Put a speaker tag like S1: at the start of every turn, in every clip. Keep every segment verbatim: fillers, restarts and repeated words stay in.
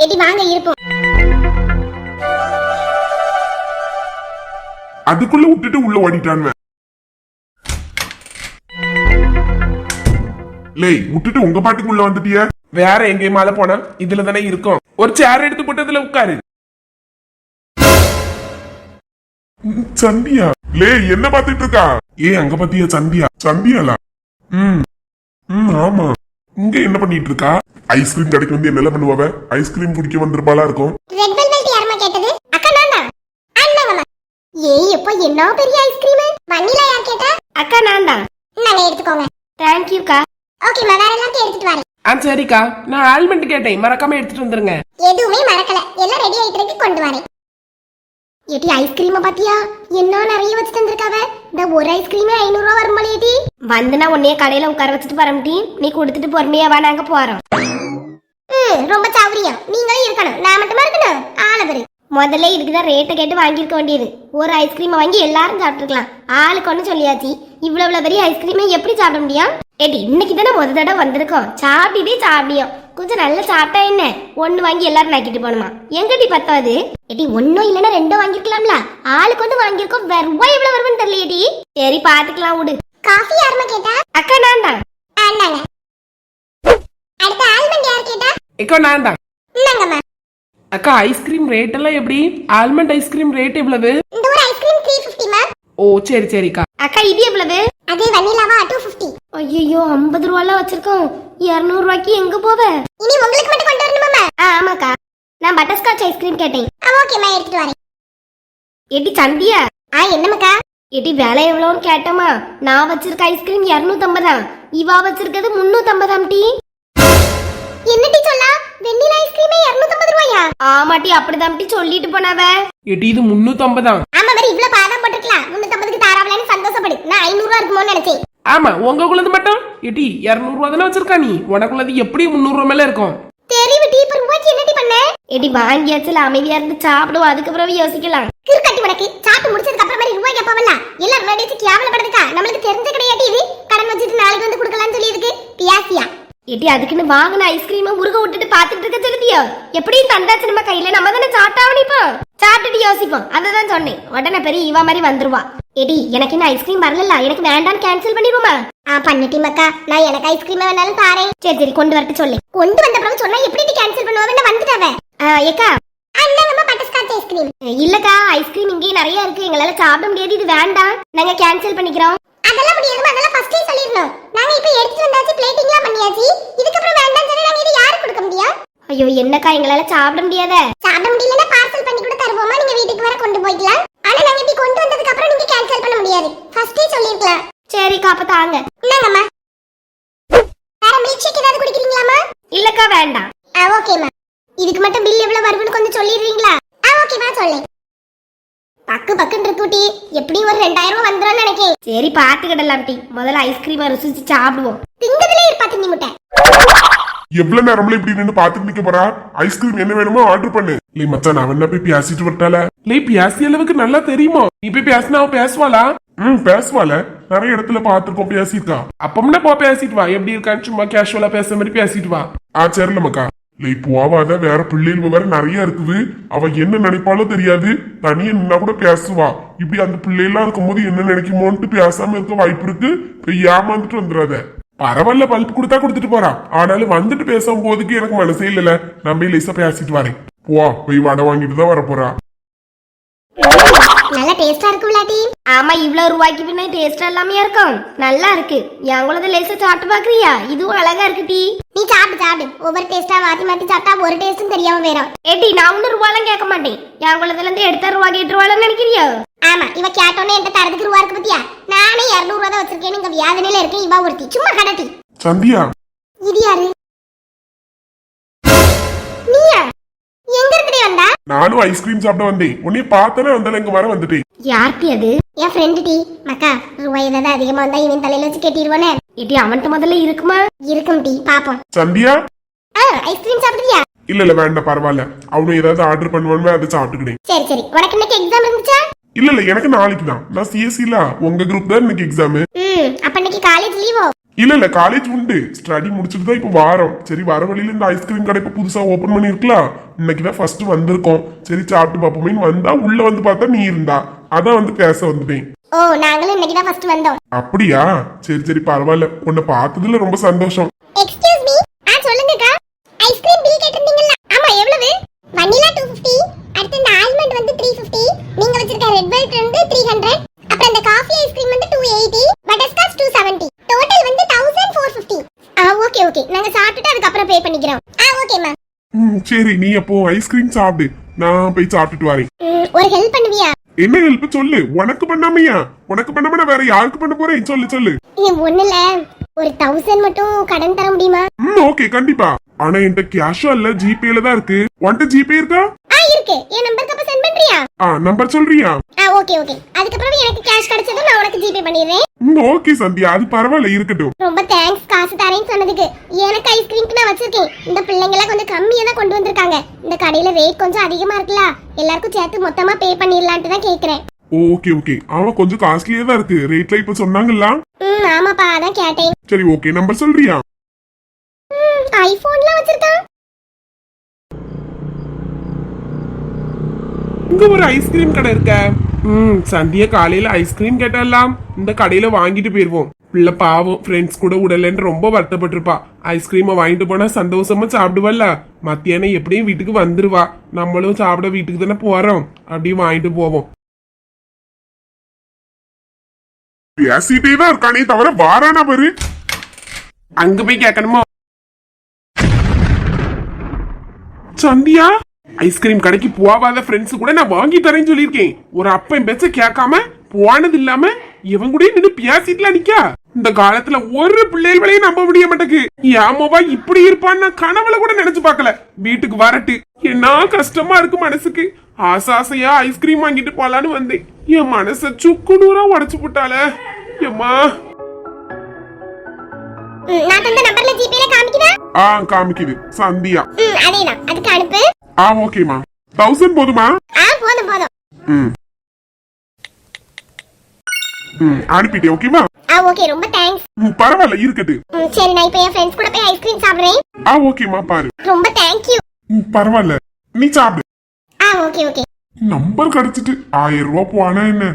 S1: Eddy வாங்க இருப்போம்.
S2: அதுக்குள்ள விட்டுட்டு உள்ள ஓடிட்டான். லேய் விட்டுட்டு உங்க பாட்டுக்கு உள்ள வந்துட்டிய.
S3: வேற எங்கேயுமால போனா இதுல தானே இருக்கும். ஒரு சேர் எடுத்து போட்டு அதுல உட்காரு.
S2: சந்தியா லே என்ன பாத்துட்டு இருக்கா? ஏ அங்க பாத்தியா சந்தியா? சந்தியாலா? ம் ம் ஆமா. இங்க என்ன பண்ணிட்டு இருக்கா? ஐஸ்கிரீம் கடைக்கு வந்து என்ன பண்ணுவாவ? ஐஸ்கிரீம் குடிக்க வந்திருப்பாளா இருக்கும்.
S1: ரெட் வெல்வெட் யாரமா கேட்டது? அக்கா நானா? அண்ணாவா? ஏய் எப்ப என்ன பெரிய ஐஸ்கிரீம்? வனிலா யார் கேட்டா? அக்கா நான் தான். நானே எடுத்துக்கோங்க. थैंक यू கா. ஓகே நான் வேற எல்லாம் எடுத்துட்டு வரேன்.
S3: ஆ சரிக்கா. நான் ஆல்மண்ட் கேட்டேன், மறக்காம எடுத்துட்டு வந்துருங்க.
S1: எதுவுமே மறக்கல, எல்லாம் ரெடி ஆயிட்டு இருக்கு, கொண்டு வரேன். ஏடி ஐஸ்கிரீம் பாத்தியா? என்ன நிறைய வச்சு தந்திருக்காவ. இந்த ஒரு ஐஸ்கிரீமே ஐநூறு ரூபாய் வரும்போல ஏடி. வந்தனா உன்னைய கடையில உட்கார வச்சுட்டு வரம்டி. நீ கொடுத்துட்டு பொறுமையா வா, நாங்க போறோம். ம் ரொம்ப சௌரியம். நீங்களும் இருக்கணும், நான் மட்டுமா இருக்கணும்? ஆளவரு முதல்ல இதுக்குதான் ரேட்டை கேட்டு வாங்கியிருக்க வேண்டியது. ஒரு ஐஸ்கிரீமை வாங்கி எல்லாரும் சாப்பிட்டுருக்கலாம். ஆளுக்கு ஒண்ணு சொல்லியாச்சு. இவ்வளவு பெரிய ஐஸ்கிரீமை எப்படி சாப்பிட முடியும்? ஏடி இன்னைக்கு தானே முத தடவை வந்திருக்கோம், சாப்பிட்டுட்டே சாப்பிடியும். கொஞ்சம் நல்லா சாப்பிட்டா என்ன, ஒண்ணு வாங்கி எல்லாரும் நக்கிட்டு போகணுமா? எங்கடி பத்தாது? ஏடி ஒன்னும் இல்லைன்னா ரெண்டும் வாங்கிருக்கலாம்ல. ஆளுக்கு வந்து வாங்கியிருக்கோம், வேற ரூபாய் எவ்வளவு வரும்னு தெரியலையேடி. சரி பாத்துக்கலாம் விடு. காஃபி யாருமா கேட்டா? அக்கா நான் தான். ஆண்டாங்க. அடுத்த ஆல்மண்ட் யார் கேட்டா?
S3: அக்கா நான் தான்.
S1: இந்தாங்கம்மா.
S3: அக்கா ஐஸ்கிரீம் ரேட் எல்லாம் எப்படி? ஆல்மண்ட் ஐஸ்கிரீம் ரேட் எவ்வளவு?
S1: இந்த ஒரு ஐஸ்கிரீம் மூன்று ஐம்பது மா.
S3: ஓ சரி சரிக்கா.
S1: அக்கா இது எவ்வளவு? அது வனிலாவா இருநூற்று ஐம்பது. ஐயோ ஐம்பது ரூபாய்ல வச்சிருக்கோம். இருநூறு ரூபாய்க்கு எங்க போவ? இனி உங்களுக்கு மட்டும் கொண்டு வரணுமா? ஆமாக்கா. நான் பட்டர்ஸ்காட்ச் ஐஸ்கிரீம் கேட்டேன். ஓகேமா எடுத்துட்டு வரேன். எடி சந்தியா. ஆ என்னமக்கா? எடி விலை எவ்வளவுன்னு கேட்டமா? நான் வச்சிருக்க ஐஸ்கிரீம் இருநூற்று ஐம்பது. இவா வச்சிருக்கிறது முன்னூற்று ஐம்பது டீ. என்னடி சொல்லா? வெண்ணிலா ஐஸ்கிரீமே இருநூற்று ஐம்பது ரூபாயா? ஆமாட்டி அப்படிதான் டீ சொல்லிட்டு போனாவ.
S3: எடி இது முன்னூற்று ஐம்பது.
S1: ஆமா வேற இவ்ளோ பாதாம் போட்டுக்கலாம். முன்னூற்று ஐம்பதுக்கு தாராவலன்னு சந்தோஷப்படு. நான் ஐநூறு ரூபாய் இருக்குமோன்னு நினைச்சேன்.
S3: ஆமா உங்களுக்குள்ளது மட்டும் எடி இருநூறு ரூபாய் தானே வச்சிருக்கா நீ. உனக்குள்ளது எப்படி முன்னூறு ரூபாய் மேல இருக்கும்?
S1: தெரிவு டீ இப்ப ரூபாய்க்கு என்னடி பண்ண? எடி வாங்கியாச்சுல, அமைதியா இருந்து சாப்பிடுவோம், அதுக்கு அப்புறம் யோசிக்கலாம். கிறுக்கட்டி உனக்கு சாப்பிட்டு முடிச்சதுக்கு அப்புறம் மாதிரி ரூபாய் கேப்பவல்ல. எல்லாரும் முன்னாடி கேவலப்படுதுக்கா. நம்மளுக்கு தெரிஞ்ச கிடையாது இது. கடன் வச்சிட்டு நாளைக்கு வந்து கொடுக்கலாம்னு சொல்லி இருக்கு. பியாசியா எடி அதுக்குன்னு வாங்கின ஐஸ்கிரீமை உருக விட்டுட்டு பாத்துட்டு இருக்க சொல்லுதியோ? எப்படியும் தந்தாச்சு நம்ம கையில, நம்ம தானே சாப்பிட்டாவணும். இப்போ சாப்பிட்டுட்டு யோசிப்போம். அததான் சொன்னேன். உடனே பெரிய இவா மாதிரி வந்துருவா. எடி எனக்கு இன்னும் ஐஸ்கிரீம் வரல, எனக்கு வேண்டாம், கேன்சல் பண்ணிடுவோமா? ஆ பண்ணிட்டி மக்கா, நான் எனக்கு ஐஸ்கிரீம் வேணாலும் தாரேன். சரி சரி கொண்டு வரட்டு சொல்லு. கொண்டு வந்த அப்புறம் சொன்னா எப்படி கேன்சல் பண்ணுவாங்க? வந்துட்டாவே. ஏக்கா அண்ணாங்கம்மா பட்டர்ஸ்காட்ச் ஐஸ்கிரீம். இல்லக்கா ஐஸ்கிரீம் இங்கே நிறைய இருக்கு, எங்களால சாப்பிட முடியாது, இது வேண்டாம், நாங்க கேன்சல் பண்ணிக்கிறோம். அதெல்லாம் முடியாதுமா, அதெல்லாம் ஃபர்ஸ்டே சொல்லிரணும். நாங்க இப்ப எடுத்துட்டு வந்தாச்சு, பிளேட்டிங்லாம் பண்ணியாச்சு. இதுக்கு அப்புறம் வேண்டாம் சொன்னா நாங்க இத யாருக்கு கொடுக்க முடியும்? ஐயோ என்னக்கா எங்களால சாப்பிட முடியாதே. சாப்பிட முடியலன்னா பார்சல் பண்ணி கூட தருவோமா, நீங்க வீட்டுக்கு வர கொண்டு போய்க்கலாம். ஆனா நாங்க இப்படி கொண்டு வந்ததுக்கு அப்புறம் நீங்க கேன்சல் பண்ண முடியாது, ஃபர்ஸ்டே சொல்லிருக்கலாம். சரிக்கா அப்ப தாங்க. இந்தாங்கம்மா. வேற மில்க் ஷேக் ஏதாவது குடிக்கிறீங்களாமா? இல்லக்கா வேண்டாம். ஆ ஓகேமா. இதுக்கு மட்டும் பில் எவ்வளவு வரும்னு கொஞ்சம் சொல்லிடுறீங்களா? ஆ ஓகேமா சொல்லேன். பக்கு பக்குன்னு இருக்குட்டி, எப்படி ஒரு ரெண்டாயிரம் ரூபாய் வந்துடும் நினைக்கேன். சரி பாத்துக்கிடலாம் டி, முதல்ல ஐஸ்கிரீமை ருசிச்சு சாப்பிடுவோம். திங்கதுலயே இருப்பா தின்னி முட்டை.
S2: எவ்வளவு நேரம்ல இப்படி நின்னு பாத்துட்டு நிக்க போறா? ஐஸ்கிரீம் என்ன வேணுமோ ஆர்டர் பண்ணு. இல்லை மச்சான் நான் என்ன போய் பேசிட்டு வரட்டால?
S3: இல்லை பேசிய அளவுக்கு நல்லா தெரியுமா? நீ போய் பேசினா அவ பேசுவாளா?
S2: ம் பேசுவால, நிறைய இடத்துல பாத்துருக்கோம், பேசிருக்கா.
S3: அப்பம்னா போ பேசிட்டு வா, எப்படி இருக்கான்னு சும்மா கேஷுவலா பேசுற மாதிரி பேசிட்டு வா.
S2: ஆ சரில மக்கா. இல்லை போவாத, வேற பிள்ளைகள் வேற நிறைய இருக்குது. அவ என்ன நினைப்பாலும் தெரியாது, தனியா நின்னா கூட பேசுவா. இப்படி அந்த பிள்ளைலாம் இருக்கும்போது என்ன நினைக்குமோன்ட்டு பேசாம இருக்க வாய்ப்பு இருக்கு. போய் ஏமாந்துட்டு வந்துடாத. பரவாயில்ல பல்ப் கொடுத்தா கொடுத்துட்டு போறா, ஆனாலும் வந்துட்டு பேசும் போதுக்கு எனக்கு மனசே இல்லல. நம்ம லேசா பேசிட்டு வரேன். போ போய் வடை வாங்கிட்டு தான் வர போறா.
S1: நல்ல டேஸ்டா இருக்கும்ல டி? ஆமா இவ்வளவு ரூபாய்க்கு பின்ன டேஸ்டா எல்லாமே இருக்கும். நல்லா இருக்கு. எங்களது லேசா சாப்பிட்டு பாக்குறியா? இதுவும் அழகா இருக்கு டி. நீ சாப்பிட்டு சாப்பிடு. ஒவ்வொரு டேஸ்டா மாத்தி மாத்தி சாப்பிட்டா ஒரு டேஸ்டும் தெரியாம வேறும். ஏடி நான் ஒன்னு ரூபாய்லாம் கேட்க மாட்டேன். எங்களதுல இருந்து எடுத்த ரூபா கேட்டு ரூபாய்லாம் நினைக்கிறியோ? ஆமா இவ கேட்டோன்னே என்கிட்ட தரதுக்கு ரூபா இருக்கு பத்தியா? நானே இருநூறு ரூபா தான் வச்சிருக்கேன். இங்க வியாதனையில இருக்கேன். இவா ஒருத்தி சும்மா கடட்டி.
S2: சந்தியா
S1: இது யாரு? நீயா? எங்க இருந்து வந்தா?
S2: நானும் ஐஸ்கிரீம் சாப்பிட வந்தேன். உன்னை பார்த்தனே வந்தால இங்க வர வந்துட்டேன்.
S1: யார்ட்டி அது? என் ஃப்ரெண்ட் டி. மக்கா ரூபாய் ஏதாவது அதிகமா வந்தா இவன் தலையில வச்சு கட்டிடுவானே. இடி அவன்கிட்ட முதல்ல இருக்குமா? இருக்கும் டி பாப்போம்.
S2: சந்தியா
S1: ஐஸ்கிரீம் சாப்பிடுறியா?
S2: இல்ல இல்ல வேண்டாம் பரவாயில்ல. அவனு ஏதாவது ஆர்டர் பண்ணுவானே அதை சாப்பிட்டுக்கிட்டேன்.
S1: சரி சரி. உனக்கு இன்னைக்கு எக்ஸாம் இருந்துச்சா?
S2: இல்ல இல்ல எனக்கு நாளைக்கு தான். நான் சிஎஸ்சில உங்க குரூப் தான் இன்னைக்கு எக்ஸாம்.
S1: ம் அப்ப இன்னைக்கு காலேஜ் லீவோ?
S2: இல்ல இல்ல காலேஜ் உண்டு, ஸ்டடி முடிச்சுட்டு தான் இப்ப வாரம். சரி வர வழியில இந்த ஐஸ்கிரீம் கடை இப்ப புதுசா ஓபன் பண்ணிருக்கலாம், இன்னைக்குதான் ஃபர்ஸ்ட் வந்திருக்கோம். சரி சாப்பிட்டு பாப்போமேன்னு வந்தா உள்ள வந்து பார்த்தா நீ இருந்தா, அதான் வந்து பேச வந்துட்டேன்.
S1: ஓ நாங்களும் இன்னைக்கு தான் ஃபர்ஸ்ட் வந்தோம்.
S2: அப்படியா? சரி சரி பரவாயில்ல, உன்னை பார்த்ததுல ரொம்ப சந்தோஷம்.
S1: Excuse me. ஆ சொல்லுங்கக்கா. ஐஸ்கிரீம் பில் கேட்டிருந்தீங்கல்ல? ஆமா எவ்வளவு? வனிலா two fifty, அடுத்து இந்த ஆல்மண்ட் வந்து three fifty, நீங்க வச்சிருக்க ரெட் வெல்வெட் வந்து three hundred, அப்புறம் இந்த காஃபி ஐஸ்கிரீம் வந்து two eighty, butterscotch two seventy. Total வந்து one thousand four fifty. ஆ ஓகே ஓகே, நாங்க சாப்பிட்டுட்டு அதுக்கு அப்புறம் பே பண்ணிக்கிறோம். ஆ ஓகே மேம்.
S2: ம் சரி, நீ அப்போ ஐஸ்கிரீம் சாப்பிடு, நான் போய் சாப்பிட்டுட்டு வரேன்.
S1: ஒரு ஹெல்ப் பண்ணுவியா?
S2: என்ன ஹெல்ப் சொல்லு. உனக்கு பண்ணாமையா? உனக்கு பண்ணாம நான் வேற யாருக்கு பண்ண போறேன்? சொல்லு சொல்லு.
S1: ஒண்ணுல ஒரு தௌசண்ட் மட்டும் கடன் தர முடியுமா?
S2: ம் ஓகே கண்டிப்பா. ஆனா என்கிட்ட கேஷா இல்ல, ஜிபேல தான் இருக்கு. உன்கிட்ட ஜிபே இருக்கா?
S1: ஆ இருக்கு. என் நம்பருக்கு அப்ப சென்ட் பண்றியா?
S2: ஆ நம்பர் சொல்றியா?
S1: ஆ ஓகே ஓகே. அதுக்கு அப்புறம் எனக்கு கேஷ் கிடைச்சதும் நான் உனக்கு ஜிபே பண்ணிடுறேன்.
S2: ம் ஓகே சந்தியா, அது பரவாயில்ல இருக்கட்டும்.
S1: ரொம்ப தேங்க்ஸ் காசு தரேன்னு சொன்னதுக்கு. எனக்கு ஐஸ்கிரீம்க்கு நான் வச்சிருக்கேன். இந்த பிள்ளைங்க எல்லாம் கொஞ்சம் கம்மியா தான் கொண்டு வந்திருக்காங்க. இந்த கடையில ரேட் கொஞ்சம் அதிகமா இருக்குல்ல, எல்லாருக்கும் சேர்த்து மொத்தமா பே பண்ணிடலான்ட்டு தான் கேக்குறேன்.
S2: ஓகே ஓகே, அவன் கொஞ்சம் காஸ்ட்லியா தான் இருக்கு. ரேட்ல இப்ப சொன்னாங்கல்ல.
S1: ம் ஆமாப்பா, அதான் கேட்டேன்.
S2: சரி ஓகே, நம்பர் சொல்றியா?
S1: ம் ஐபோன்லாம் வச்சிருக்கான்.
S3: இங்க ஒரு ஐஸ்கிரீம் கடை இருக்க. ம் சந்தியா காலையில ஐஸ்கிரீம் கேட்டலாம், இந்த கடையில வாங்கிட்டு போயிருவோம். பிள்ளை பாவம் ஃப்ரெண்ட்ஸ் கூட விடலன்னு ரொம்ப வருத்தப்பட்டிருப்பா. ஐஸ்கிரீமை வாங்கிட்டு போனா சந்தோஷமா சாப்பிடுவல்ல, மத்தியானம் எப்படியும் வீட்டுக்கு வந்துருவா. நம்மளும் சாப்பிட வீட்டுக்கு தானே போறோம், அப்படியே வாங்கிட்டு போவோம்.
S2: பேசிட்டே தான் இருக்கானே தவிர வாரானா பாரு.
S3: அங்க போய் கேட்கணுமா? சந்தியா ஐஸ்கிரீம் கடைக்கு போவாத ஃப்ரெண்ட்ஸ் கூட நான் வாங்கி தரேன்னு சொல்லியிருக்கேன். ஒரு அப்பன் பேச்ச கேட்காம போனது இல்லாம இவன் கூட நின்று பேசிட்டுலாம் நிக்கா. இந்த காலத்துல ஒரு பிள்ளைகளையும் நம்ப முடிய மாட்டேக்கு. ஏமாவா இப்படி இருப்பான்னு நான் கனவுல கூட நினைச்சு பார்க்கல. வீட்டுக்கு வரட்டு என்ன கஷ்டமா இருக்கு மனசுக்கு. ஆசை ஆசையா ஐஸ்கிரீம் வாங்கிட்டு போலான்னு வந்தேன். என் மனச சுக்குநூறா உடைச்சு போட்டால. ஏம்மா
S1: நான் தந்த நம்பர்ல ஜிபேல காமிக்குதா?
S2: ஆ காமிக்குது சந்தியா.
S1: ம் அதேதான், அதுக்கு அனுப்பு.
S2: ஆ ஓகேமா. தௌசண்ட் போதுமா?
S1: ஆ போதும் போதும்.
S2: ம் ம் அனுப்பிட்டேன். ஓகேமா?
S1: ஆ ஓகே, ரொம்ப தேங்க்ஸ்.
S2: ம் பரவாயில்ல இருக்கட்டு.
S1: ம் சரி, நான் இப்போ என் ஃப்ரெண்ட்ஸ் கூட போய் ஐஸ்கிரீம் சாப்பிடுறேன்.
S2: ஆ ஓகேமா பாரு.
S1: ரொம்ப தேங்க் யூ.
S2: ம் பரவாயில்ல, நீ சாப்பிடு.
S1: ஆ ஓகே ஓகே.
S2: நம்பர் கிடைச்சிட்டு ஆயிரம் ரூபாய் போனா என்ன?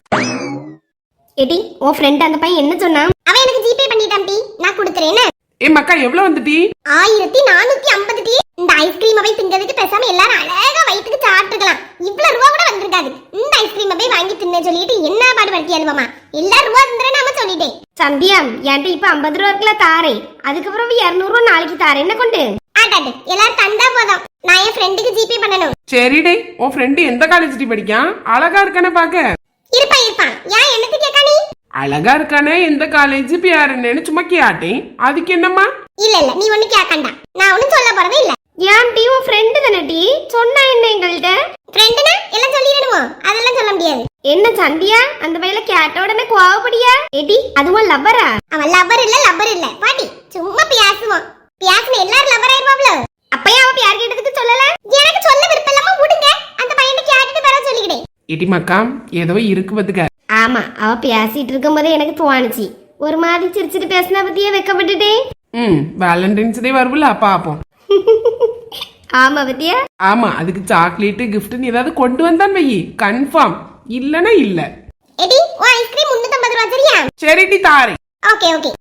S1: எடி உன் ஃப்ரெண்ட் அந்த பையன் என்ன சொன்னான்? அவன் எனக்கு ஜிபே பண்ணிட்டான் டி, நான் கொடுத்துறேன்.
S3: ஏ மக்கா எவ்வளவு வந்துட்டி?
S1: ஆயிரத்தி நானூத்தி ஐம்பது டி. இந்த ஐஸ்கிரீம் போய் திங்கிறதுக்கு பேசாம எல்லாரும் அழகா வயிற்றுக்கு சாப்பிட்டுக்கலாம். இவ்வளவு ரூபா கூட வந்திருக்காது. இந்த ஐஸ்கிரீம் போய் வாங்கி தின்னு சொல்லிட்டு என்ன பாடு படுத்தி அனுபவமா? எல்லா ரூபா தந்துறேன் நாம சொல்லிட்டேன். சந்தியா என்கிட்ட இப்ப ஐம்பது ரூபா இருக்குல்ல தாரேன், அதுக்கப்புறம் இருநூறு ரூபா நாளைக்கு தாரேன். என்ன கொண்டு ஆட்டாட்டு எல்லாரும் தந்தா போதும். நான் என் ஃப்ரெண்டுக்கு ஜிபே பண்ணணும்.
S3: சரிடே, உன் ஃப்ரெண்டு எந்த காலேஜ் படிக்கான்? அழகா இருக்கானே பாக்க.
S1: இருப்பான் இருப்பான். ஏன் என்னது கேட்கா நீ?
S3: அழகா இருக்கானே, எந்த காலேஜ் பேர் என்னன்னு சும்மா கேட்டேன். அதுக்கு என்னம்மா?
S1: இல்ல இல்ல, நீ ஒண்ணு கேட்கண்டா, நான் ஒண்ணும் சொல்ல போறதே இல்ல. ஏன் டி உன் ஃப்ரெண்டு தானே டி சொன்னா என்ன எங்கள்கிட்ட? ஃப்ரெண்டுனா எல்லாம் சொல்லிடணுமோ? அதெல்லாம் சொல்ல முடியாது. என்ன சந்தியா அந்த பையில கேட்ட உடனே கோவப்படியா? ஏடி அதுவும் லவ்வரா? அவன் லவ்வர் இல்ல லவ்வர் இல்ல பாட்டி, சும்மா பேசுவான். பேசுன எல்லாரும் லவ்வர் ஆயிருவாப்ல. அப்பயே அவ யார் கேட்டதுக்கு சொல்லல? எனக்கு சொல்ல விருப்பம் இல்லாம விடுங்க, அந்த பையனை கேட்டுட்டு வர சொல்லிக்கிட்டேன்.
S3: இடி மக்கா ஏதோ இருக்கு பத்துக்க.
S1: ஆமா, அவ பேசிட்டு இருக்கும் போதே எனக்கு தோணுச்சு. ஒரு மாதிரி சிரிச்சிட்டு பேசினா பத்தியே வெக்கப்பட்டுட்டேன்.
S3: ம் வேலண்டைன்ஸ் டே வருவல பாப்போம்.
S1: ஆமா பத்தியா?
S3: ஆமா, அதுக்கு சாக்லேட் கிஃப்ட்னு ஏதாவது கொண்டு வந்தான் வை, கன்ஃபார்ம். இல்லனா இல்ல.
S1: எடி உன் ஐஸ்கிரீம் முன்னூத்தி ஐம்பது ரூபாய் சரியா?
S3: சரிடி தாரே.
S1: Okay okay.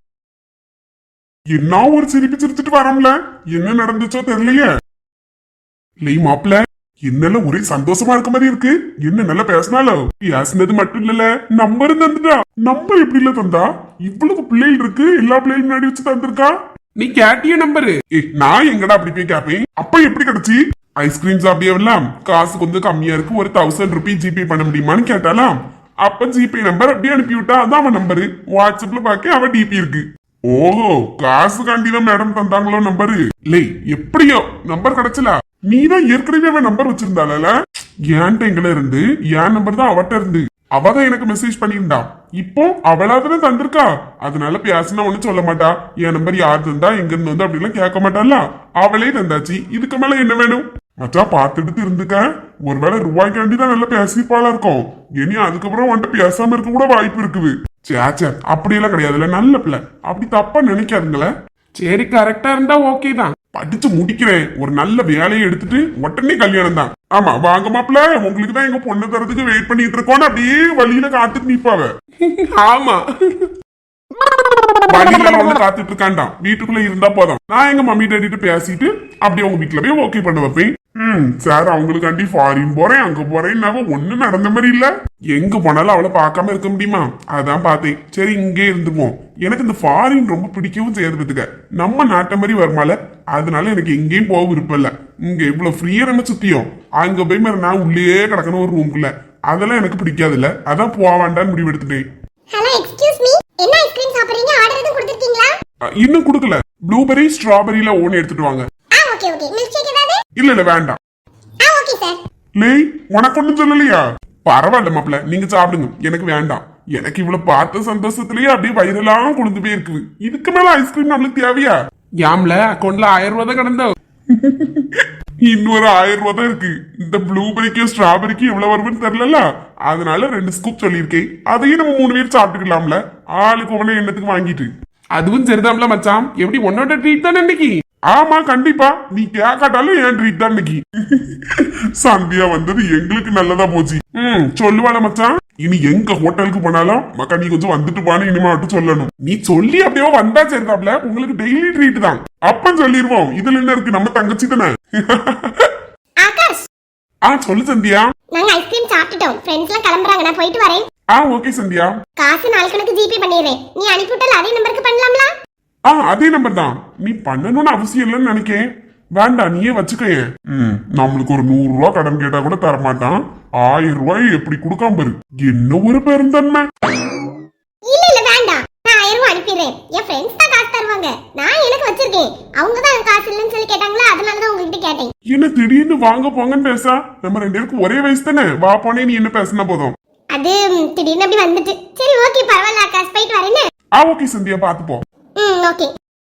S2: என்ன ஒரு சிரிப்பு சிரிச்சிட்டு வரோம்ல, என்ன நடந்துச்சோ தெரியலையே. லை மாப்பிள்ள, என்னல ஒரே சந்தோஷமா இருக்க மாதிரி இருக்கு. என்ன நல்லா பேசினாலும் பேசினது மட்டும் இல்லல, நம்பர் தந்துட்டா. நம்பர் எப்படி இல்ல தந்தா? இவ்வளவு பிள்ளைகள் இருக்கு, எல்லா பிள்ளைகளும் முன்னாடி வச்சு தந்திருக்கா.
S3: நீ கேட்டிய நம்பரு?
S2: ஏ நான் எங்கடா அப்படி போய் கேப்பேன். அப்ப எப்படி கிடைச்சி? ஐஸ்கிரீம் சாப்பிடியெல்லாம் காசு கொஞ்சம் கம்மியா இருக்கு, ஒரு தௌசண்ட் ருபி ஜிபே பண்ண முடியுமான்னு கேட்டாலாம். அப்ப ஜிபே நம்பர் அப்படியே அனுப்பி விட்டா, அதான் அவன் நம்பரு. வாட்ஸ்அப்ல பாக்க அவன் டிபி இருக்கு. ஓஹோ, காசு காண்டிதான் மேடம் தந்தாங்களோ நம்பரு. இல்லை எப்படியோ நம்பர் கிடைச்சல. நீதான் ஏற்கனவே அவன் நம்பர் வச்சிருந்தால, ஏன்ட்ட எங்கல இருந்து என் நம்பர் தான் அவட்ட இருந்து. அவதான் எனக்கு மெசேஜ் பண்ணியிருந்தா. இப்போ அவளாதானே தந்திருக்கா, அதனால பேசினா ஒண்ணு சொல்ல மாட்டா. என் நம்பர் யார் தந்தா, எங்க இருந்து வந்து அப்படிலாம் கேட்க மாட்டால. அவளே தந்தாச்சு, இதுக்கு மேல என்ன வேணும்? மச்சா பாத்துட்டு இருந்துக்க, ஒருவேளை ரூபாய்க்காண்டி தான் நல்லா பேசிப்பாளா இருக்கும். இனி அதுக்கப்புறம் வந்துட்டு பேசாம இருக்க கூட வாய்ப்பு இருக்குது. சேச்சே அப்படியெல்லாம் கிடையாதுல்ல, நல்ல பிள்ளை, அப்படி தப்பா நினைக்காதுங்களே.
S3: சரி கரெக்டா இருந்தா ஓகே தான்.
S2: படிச்சு முடிக்கிறேன், ஒரு நல்ல வேலையை எடுத்துட்டு உடனே கல்யாணம் தான். ஆமா வாங்க மாப்பிள்ள, உங்களுக்கு தான் எங்க பொண்ணு தரதுக்கு வெயிட் பண்ணிட்டு இருக்கோம். அப்படியே வழியில காத்துட்டு நிப்பாவ.
S3: ஆமா
S2: வழியில வந்து காத்துட்டு இருக்காண்டாம், வீட்டுக்குள்ள இருந்தா போதும். நான் எங்க மம்மி டேடிட்டு பேசிட்டு அப்படியே உங்க வீட்டுல போய் ஓகே பண்ண வைப்பேன். ம் சார், அவங்களுக்காண்டி ஃபாரின் போறேன் அங்க போறேன்னாவ ஒண்ணும் நடந்த மாதிரி இல்ல. எங்க போனாலும் அவளை பார்க்காம இருக்க முடியுமா? அதான் பார்த்தேன். சரி இங்கே இருந்துருவோம். எனக்கு இந்த ஃபாரின் ரொம்ப பிடிக்கவும் செய்யாது பத்துக்க. நம்ம நாட்டை மாதிரி வருமால, அதனால எனக்கு எங்கேயும் போக விருப்பம் இல்ல. இங்க இவ்வளவு ஃப்ரீயா நம்ம சுத்தியும், அங்க போய் மாதிரி நான் உள்ளே கிடக்கணும் ஒரு ரூம்குள்ள, அதெல்லாம் எனக்கு பிடிக்காது இல்ல. அதான் போக வேண்டான்னு முடிவு எடுத்துட்டேன்.
S1: ஹலோ எக்ஸ்கியூஸ் மீ, என்ன ஐஸ்கிரீம் சாப்பிடுறீங்க? ஆர்டர் எதுவும் கொடுத்துட்டீங்களா?
S2: இன்னும் கொடுக்கல. ப்ளூபெரி ஸ்ட்ராபெரியில ஒன்னு எடுத்துட்டு வாங்க.
S1: ஆ ஓகே ஓகே. மில்க் ஷேக் ஏதாவது?
S2: இல்ல இல்ல வேண்டாம்.
S1: ஆ ஓகே சார்.
S2: லேய், உனக்கு ஒண்ணும் சொல்லலையா? பரவாயில்ல மாப்பிள்ள, நீங்க சாப்பிடுங்க, எனக்கு வேண்டாம். எனக்கு இவ்வளவு பார்த்த சந்தோஷத்திலேயே அப்படியே வயிறெல்லாம் கொழுந்து போய் இருக்குது. இதுக்கு மேல ஐஸ்கிரீம் நம்மளுக்கு தேவையா?
S3: யாம்ல அக்கௌண்ட்ல ஆயிரம் ரூபாய் தான் கிடந்தோ.
S2: இன்னொரு ஆயிரம் ரூபாய் தான் இருக்கு. இந்த ப்ளூபெரிக்கும் ஸ்ட்ராபெரிக்கும் எவ்வளவு வரும்னு தெரியல, அதனால ரெண்டு ஸ்கூப் சொல்லியிருக்கேன். அதையும் நம்ம மூணு பேர் சாப்பிட்டுக்கலாம்ல, ஆளுக்கு ஒவ்வொன்னு எண்ணத்துக்கு வாங்கிட்டு.
S3: அதுவும் சரிதான்ல மச்சான், எப்படி உன்னோட ட்ரீட் தானே இன்னைக்கு.
S2: ஆமா கண்டிப்பா, நீ கேட்காட்டாலும் என் ட்ரீட் தான் இன்னைக்கு. சந்தியா வந்தது எங்களுக்கு நல்லதா போச்சு. ம் சொல்லுவாள மச்சான், இனி எங்க ஹோட்டலுக்கு போனாலும் மக்கா நீ கொஞ்சம் வந்துட்டு போன இனிமே மட்டும் சொல்லணும். நீ சொல்லி அப்படியே வந்தா சரிதாப்ல, உங்களுக்கு டெய்லி ட்ரீட் தான். அப்பன்னு சொல்லிடுவோம். இதுல என்ன இருக்கு, நம்ம தங்கச்சி தானே.
S1: ஆகாஷ்,
S2: ஆ சொல்லு சந்தியா.
S1: நாங்க ஐஸ்கிரீம் சாப்பிட்டுட்டோம். ஃப்ரெண்ட்ஸ் எல்லாம் கிளம்புறாங்க, நான் போயிட்டு வரேன்.
S2: ஆ ஓகே சந்தியா.
S1: காசு நாளைக்கு உனக்கு ஜிபே பண்ணிடுறேன். நீ அனுப்பிவிட்டால அதே நம்பருக்கு பண்ணலாம்ல?
S2: ஆ அதே நம்பர் தான். நீ பண்ணணும்னு அவசியம் இல்லைன்னு நினைக்கேன். வேண்டாம், நீயே வச்சுக்கேன். ம் நம்மளுக்கு ஒரு நூறு ரூபாய் கடன் கேட்டா கூட தரமாட்டான். ஆயிரம் ரூபாய் எப்படி கொடுக்காம பாரு, என்ன ஒரு பெருந்தன்மை.
S1: இல்ல இல்ல வேண்டாம், நான் ஆயிரம் ரூபாய் அனுப்பிடுறேன். என் ஃப்ரெண்ட்ஸ் தான் காசு தருவாங்க, நான் எனக்கு வச்சிருக்கேன். அவங்க தான் காசு இல்லைன்னு சொல்லி கேட்டாங்களா, அதனால தான் உங்ககிட்ட கேட்டேன்.
S2: என்ன திடீர்னு வாங்க போங்கன்னு பேசா? நம்ம ரெண்டு பேருக்கு ஒரே வயசு தானே, வா போனே நீ என்ன பேசினா போதும்.
S1: அது ம், திடீர்னு அப்படி வந்துட்டு. சரி ஓகே பரவாயில்ல ஆகாஷ், போயிட்டு வரேன்னு.
S2: ஆ ஓகே சந்தியா, பாத்து போ.
S1: ம் ஓகே.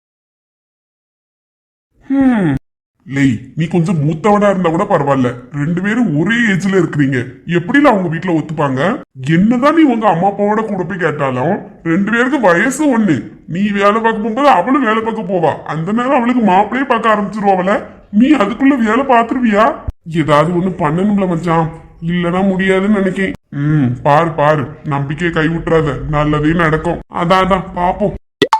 S2: ஹம் லேய், நீ கொஞ்சம் மூத்தவனா இருந்தா கூட பரவாயில்ல, ரெண்டு பேரும் ஒரே ஏஜ்ல இருக்கிறீங்க. எப்படில அவங்க வீட்டுல ஒத்துப்பாங்க? என்னதான் நீ உங்க அம்மா அப்பாவோட கூட போய் கேட்டாலும் ரெண்டு பேருக்கு வயசு ஒண்ணு. நீ வேலை பார்க்க போகும்போது அவளும் வேலை பார்க்க போவா. அந்த நேரம் அவளுக்கு மாப்பிளையே பார்க்க ஆரம்பிச்சிருவாவல, நீ அதுக்குள்ள வேலை பார்த்துருவியா? ஏதாவது ஒண்ணு பண்ணணும்ல மச்சான், இல்லனா முடியாதுன்னு நினைக்கேன். ம் பாரு பாரு, நம்பிக்கையை கை விட்டுறாத, நல்லதே நடக்கும். அதான் அதான் பாப்போம்.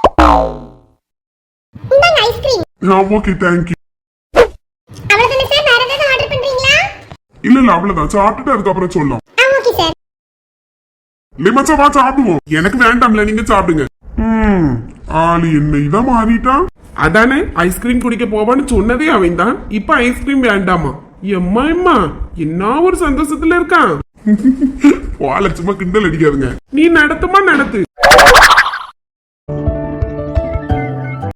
S1: இந்தாங்க ஐஸ்கிரீம்.
S2: Okay thank you.
S1: அவ்வளவுதானே சார், வேற ஏதாவது ஆர்டர் பண்றீங்களா?
S2: இல்ல இல்ல அவ்வளவுதான், சாப்பிட்டுட்டு அதுக்கப்புறம் சொல்லலாம்.
S1: ஆ ஓகே சார்.
S2: லிமச்சா வா சாப்பிடுவோம். எனக்கு வேண்டாம்ல, நீங்க சாப்பிடுங்க. ம் ஆளு என்ன இதான் மாறிட்டான்.
S3: அதானே ஐஸ்கிரீம் குடிக்க போவான்னு சொன்னதே அவன் தான், இப்ப ஐஸ்கிரீம் வேண்டாமா? எம்மா எம்மா என்ன ஒரு சந்தோஷத்துல இருக்கான்.
S2: வாழ சும்மா கிண்டல் அடிக்காதுங்க.
S3: நீ நடத்துமா நடத்து.